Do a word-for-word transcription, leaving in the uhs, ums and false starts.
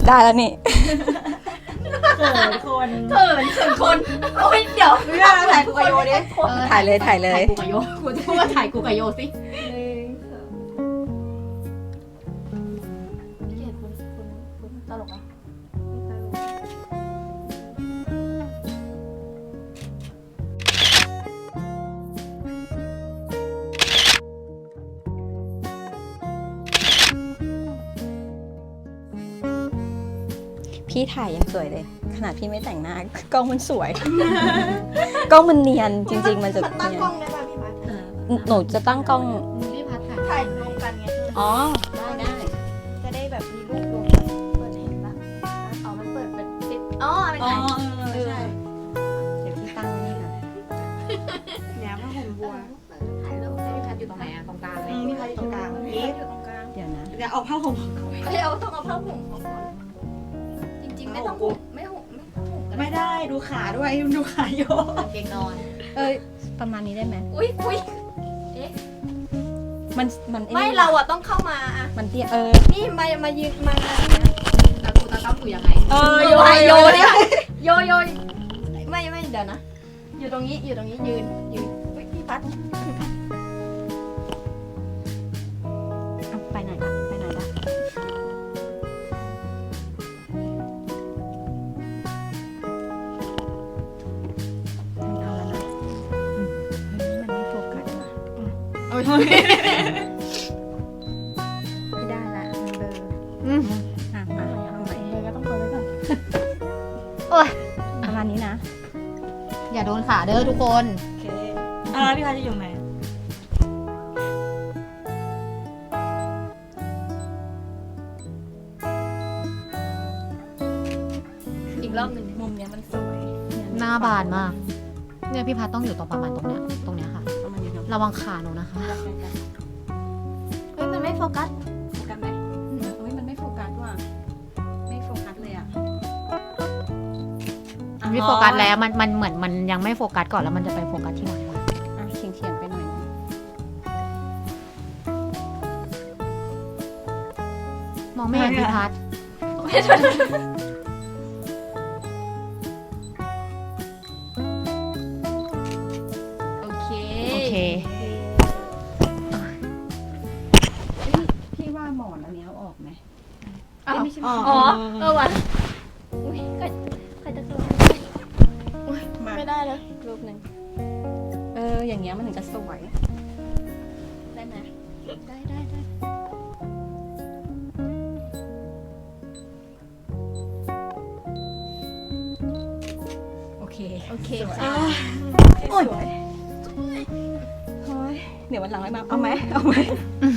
ได้แล้วนี่เขินคนเขินเขินคนโอ้ยเดี๋ยวเรื่องอะไรกูกับโยดิถ่ายเลยถ่ายเลยถ่ายกูกับโยกูจะพูดว่าถ่ายกูกับโยสิพี่เกดคุณคุณคุณตลกอ่ะพี่ถ่ายยังสวยเลยขนาดพี่ไม่แต่งหน้ากล้องมันสวย กล้องมันเนียนจริง ๆ มันจะมันตั้งเนียกล้อน งได้ป่ะพี่พัดหนูจะตั้งกล้องพี่พัดถ่ายถ่ายรวมกันไงอ๋อได้ได้จะได้แบบมีรูปรวมกันเปิดเห็นปะอ๋อมันเปิดเป็นติดอ๋อเป็นอ๋อไงเออใช่เดี๋ยวพี่ตั้งนี่ก่อนเนี่ยผ้าห่มบัวถ่ายรูปให้พี่พัดอยู่ตรงไหนอะตรงกลางไหมอืมพี่พัดอยู่ตรงกลางนี่อยู่ตรงกลางเดี๋ยวนะเดี๋ยวเอาผ้าห่มเฮ้ยเอาต้องเอาผ้าห่มของคนจริงๆไม่ต้องห่มไม่ห่มไม่ต้องห่มก็ไม่ได้ดูขาด้วยดูขาโยกางเกงนอนเอ้ยประมาณนี้ได้ไหมอุ้ยอุ้ยมันมันไม่เราอะต้องเข้ามาอะมันเตี้ยเออนี่มามายืนมาแล้วกูตาต้องกูยังไงเออโยโยโยโยเนี่ยโยโยไม่ไม่เดี๋ยวนะ อยู่ตรงนี้อยู่ตรงนี้ยืนยืนเฮ้ยพี่พัดเอาไปไหนละไปไหนละเอาแล้วนะอืมเฮ้ยมันไม่โฟกัสว่ะโอ้ยไม่ได้ละมันเบลออืมอ่ะมาเอาใหม่เลยก็ต้องเปิดไว้ก่อนประมาณนี้นะอย่าโดนขาเด้อทุกคนโอเคอ่าพี่พัดจะอยู่ไหนอีกรอบหนึ่งมุมเนี้ยมันสวยหน้าบานมากเนี่ยพี่พัดต้องอยู่ตรงประมาณตรงเนี้ยตรงเนี้ยค่ะประมาณนี้เนาะระวังขาหนูนะคะเฮ้ยมันไม่โฟกัสโฟกัสไหมเฮ้ยมันไม่โฟกัสว่ะไม่โฟกัสเลยอ่ะไม่โฟกัสแล้วมันมันเหมือนมันยังไม่โฟกัสก่อนแล้วมันจะไปโฟกัสที่หลังอ่ะเฉียงเฉียงๆไปหน่อยนะมองไม่เห็นพี่พัดโอเคโอเคพี่ว่าหมอนอันนี้เอาออกไหมอ๋อไม่ใช่หมอ๋ออนอ๋อเออว่ะอุ้ยใครใครจะกลัวมาไม่ได้เลยรูปหนึ่งเอออย่างเงี้ยมันถึงจะสวยได้ไหมได้ได้ได้โอเคโอเคอ่าค่ะโอ้ยเฮ้ยเดี๋ยววันหลังไว้มาเอาไหมเอาไหม